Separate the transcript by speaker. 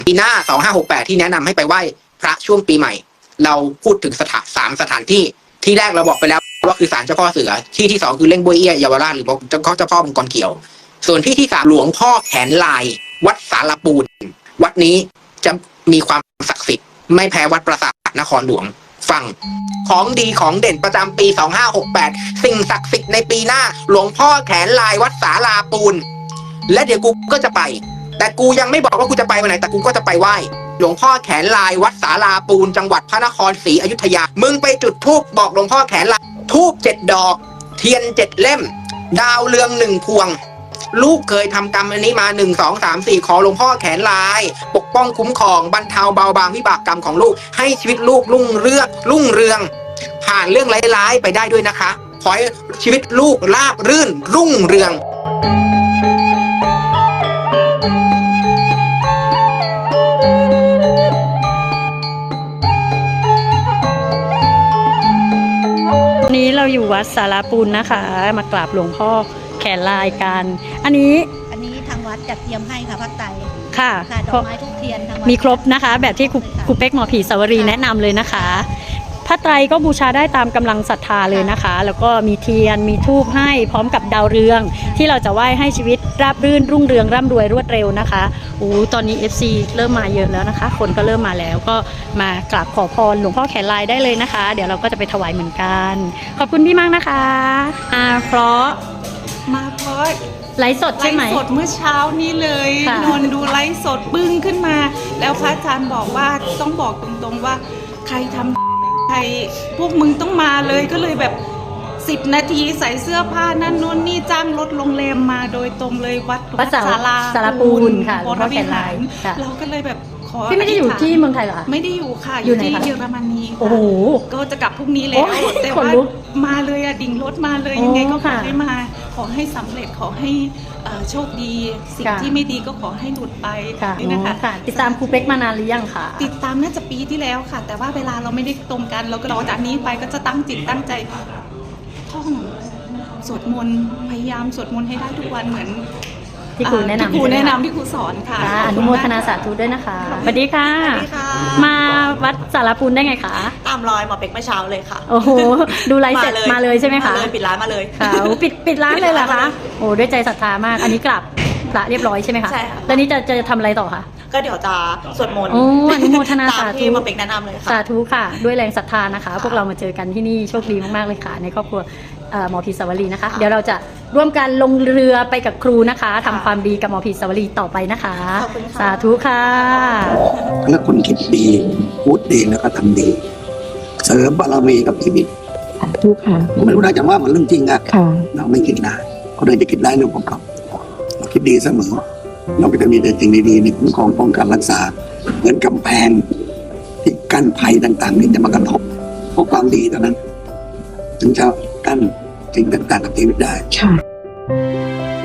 Speaker 1: ปีหน้า2568ที่แนะนำให้ไปไหว้พระช่วงปีใหม่ เราพูดถึง3 สถานที่ที่แรกเราบอกไปแล้วว่าคือศาลเจ้าพ่อเสือที่2คือเล่งบวยเอี้ยเยาวราชหรือเจ้าพ่อมังกรเขียวส่วนที่3หลวงพ่อแขนลายวัดสารปูนวัดนี้จะมีความศักดิ์สิทธิ์ไม่แพ้วัดปราสาทนครหลวงฟังของดีของเด่นประจำปี2568สิ่งศักดิ์สิทธิ์ในปีหน้าหลวงพ่อแขนลายวัดสาราปูนและเดี๋ยวกูก็จะไปแต่กูยังไม่บอกว่ากูจะไปวันไหนแต่กูก็จะไปไหว้หลวงพ่อแขนลายวัดสาราปูนจังหวัดพระนครศรีอยุธยามึงไปจุดธูปบอกหลวงพ่อแขนลายธูป7 ดอกเทียน7 เล่มดาวเรือง1 พวงลูกเคยทำกรรมอันนี้มา1 2 3 4ขอหลวงพ่อแขนลายปกป้องคุ้มครองบรรเทาเบาบางวิบากกรรมของลูกให้ชีวิตลูกรุ่งเรืองผ่านเรื่องร้ายๆไปได้ด้วยนะคะขอให้ชีวิตลูกราบรื่นรุ่งเรือง
Speaker 2: วันนี้เราอยู่วัดสาราปูนนะคะมากราบหลวงพ่อแขนลายกันอันนี้
Speaker 3: ทางวัดจัดเตรียมให้ค่ะผ้าไตร
Speaker 2: ค่ะ
Speaker 3: ดอกไม้ทุกเทียน
Speaker 2: มีครบนะคะแบบที่ครูเป๊กหมอผีสาวรีแนะนำเลยนะคะผ้าไตรก็บูชาได้ตามกำลังศรัทธาเลยนะคะแล้วก็มีเทียนมีธูปให้พร้อมกับดาวเรืองที่เราจะไหว้ให้ชีวิตราบรื่นรุ่งเรืองร่ำรวยรวดเร็วนะคะตอนนี้ FC เริ่มมาเยอะแล้วนะคะคนก็เริ่มมาแล้วก็มากราบขอพรหลวงพ่อแขนลายได้เลยนะคะเดี๋ยวเราก็จะไปถวายเหมือนกันขอบคุณพี่มากนะคะเพราะไลฟ์สดใช่ไหม
Speaker 4: ไลฟ์สดเมื่อเช้านี้เลยนอนดูไลฟ์สดปึ้งขึ้นมาแล้วพระอาจารย์บอกว่าต้องบอกตรงๆว่าใครทำใครพวกมึงต้องมาเลยก็เลยแบบ10 นาทีใส่เสื้อผ้านั่นนู่นนี่จ้างรถโรงแรมมาโดยตรงเลยวัด
Speaker 2: สาราปูนค่ะหลวงพ่อแขนลาย
Speaker 4: เราก็เลยแบบขอ
Speaker 2: พี่ไม่ได้อยู่ที่เมืองไทยเหรอคะ
Speaker 4: ไม่ได้อยู่ค่ะอยู่ที่เยอรมนี
Speaker 2: โอ้โห
Speaker 4: ก็จะกลับพรุ่งนี้แล้วแต่ว่ามาเลยอะดิ่งรถมาเลยยังไงก็ขอให้มาขอให้สำเร็จขอให้โชคดีสิ่งที่ไม่ดีก็ขอให้หลุดไปนี่นะคะ
Speaker 2: ติดตามครูเป๊กมานานหรือยังคะ
Speaker 4: ติดตามน่าจะปีที่แล้วค่ะแต่ว่าเวลาเราไม่ได้ตรงกันเราก็รอจากนี้ไปก็จะตั้งจิตตั้งใจท่องสวดมนต์พยายามสวดมนต์ให้ได้ทุกวันเหมือน
Speaker 2: ที่ครูแนะนำ
Speaker 4: ที่ครูสอนค่ะ
Speaker 2: อนุโมทนาสาธุด้วยนะคะสวัสดีค่ะมาวัดสารปูนได้ไงคะ
Speaker 5: ตามรอยหมอเป็กเมื่อเช้าเลยค่ะ
Speaker 2: โอ้โหดูไลฟ์เสร็จมาเลยใช่ไหมคะ
Speaker 5: ปิดร้านมาเลย
Speaker 2: ค่ะปิดร้านเลยเหรอคะโอ้ด้วยใจศรัทธามากอันนี้กลับพระเรียบร้อยใช่ไหมคะ
Speaker 5: ใช่ค่ะ
Speaker 2: แล้วนี้จะทำอะไรต่อคะ
Speaker 5: ก็เดี๋ยวจะสวดมนต์
Speaker 2: อนุโมทนาสาธุ
Speaker 5: หมอเป็กแนะนำเลยค่ะ
Speaker 2: สาธุค่ะด้วยแรงศรัทธานะคะพวกเรามาเจอกันที่นี่โชคดีมากๆเลยค่ะในครอบครัวหมอผีสาวรีนะคะเดี๋ยวเราจะร่วมกันลงเรือไปกับครูนะคะทำความดีกับหมอผีสาวรีต่อไปนะคะสาธุค่ะ
Speaker 6: แล้วคนคิดดีพูดดีแล้วก็ทำดีเสริมบารมีกับชีวิต
Speaker 2: สาธุค่ะ
Speaker 6: ไม่รู้นะจะว่ามันเรื่องจริงอะเราไม่คิดร้ายคนอื่นจะคิดร้ายเรื่องของเขาเราคิดดีเสมอเราก็จะมีแต่สิ่งดีๆในคุ้มครองป้องกันรักษาเหมือนกำแพงที่กั้นภัยต่างๆที่จะมากระทบเพราะความดีเท่านั้นถึงจะกั้นสิ่งต่างๆกับชีวิตได้